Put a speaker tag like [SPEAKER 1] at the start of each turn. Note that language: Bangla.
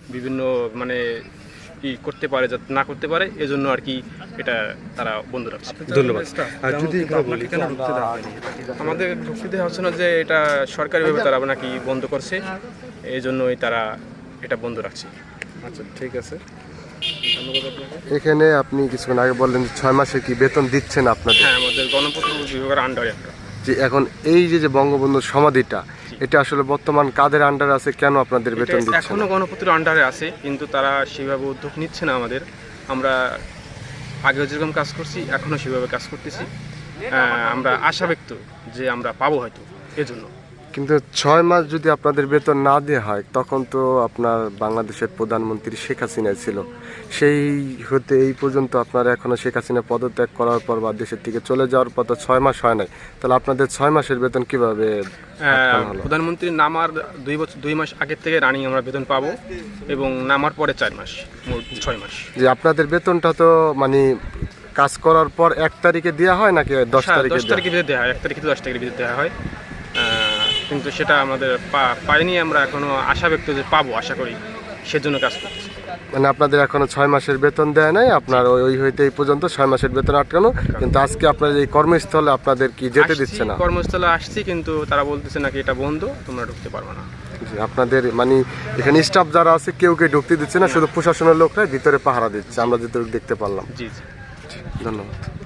[SPEAKER 1] বিভিন্ন মানে কি করতে পারে যাতে না করতে পারে, এজন্য আর কি এটা তারা বন্ধ রাখছে।
[SPEAKER 2] ধন্যবাদ। আর যদি এখানে বলি,
[SPEAKER 1] আমাদের ঢুকতে দেওয়া হচ্ছে না, যে এটা সরকারিভাবে তারা নাকি বন্ধ করছে, এই জন্যই তারা এটা বন্ধ রাখছে।
[SPEAKER 2] আচ্ছা ঠিক আছে,
[SPEAKER 3] এখানে আপনি কিছুক্ষণ আগে বললেন 6 মাসে কি বেতন দিচ্ছেন আপনাদের?
[SPEAKER 1] হ্যাঁ, আমাদের গণপূর্ত বিভাগের আন্ডারে একটা।
[SPEAKER 3] যে এখন এই যে বঙ্গবন্ধু সমাধিটা, এটা আসলে বর্তমান কাদের আন্ডার আছে, কেন আপনাদের বেতন দিচ্ছে
[SPEAKER 1] এখনো
[SPEAKER 3] না?
[SPEAKER 1] গণপূর্তের আন্ডারে আছে, কিন্তু তারা সেভাবে উদ্যোগ নিচ্ছে না আমাদের। আমরা আগেও যেরকম কাজ করছি এখনো সেভাবে কাজ করতেছি। আমরা আশা ব্যক্ত যে আমরা পাবো হয়তো, এজন্য।
[SPEAKER 3] কিন্তু 6 মাস যদি আপনাদের বেতন না দেওয়া হয়, তখন তো আপনার বাংলাদেশের প্রধানমন্ত্রী শেখ হাসিনা ছিল, সেই হতে এই পর্যন্ত আপনারা এখনো শেখ হাসিনা পদত্যাগ করার পর বা দেশের থেকে চলে যাওয়ার পর তো 6 মাস হয় নাই, তাহলে আপনাদের 6 মাসের বেতন কিভাবে আটকানো হলো?
[SPEAKER 1] প্রধানমন্ত্রী নামার 2 মাস আগের থেকে রানিং আমরা বেতন পাবো, এবং নামার পরে 4 মাস, মোট 6 মাস।
[SPEAKER 3] যে আপনাদের বেতনটা তো মানে কাজ করার পর 1 তারিখে দেওয়া হয় নাকি 10 তারিখে?
[SPEAKER 1] 10 তারিখে ভিতরে দেওয়া হয়, 1 তারিখে 10 তারিখের ভিতরে দেওয়া হয়। কিন্তু সেটা আমাদের পাইনি। আমরা এখনো আশা ব্যক্ত যে পাবো, আশা করি, সেজন্য কাজ করতেছি।
[SPEAKER 3] মানে আপনাদের এখনো 6 মাসের বেতন দেয় নাই, আপনার ওই হইতে এই পর্যন্ত 6 মাসের বেতন আটকানো, কিন্তু আজকে আপনার এই কর্মস্থলে আপনাদের কি যেতে দিচ্ছে না?
[SPEAKER 1] কর্মস্থলে আসছি, কিন্তু তারা বলতেছে নাকি এটা বন্ধ, তোমরা ঢুকতে পারবে না।
[SPEAKER 3] জি, আপনাদের মানে এখানে স্টাফ যারা আছে কেউ ঢুকতে দিচ্ছে না, শুধু প্রশাসনের লোকরাই ভিতরে পাহারা দিচ্ছে, আমরা যেটা দেখতে পারলাম।
[SPEAKER 1] জি জি।
[SPEAKER 3] ধন্যবাদ।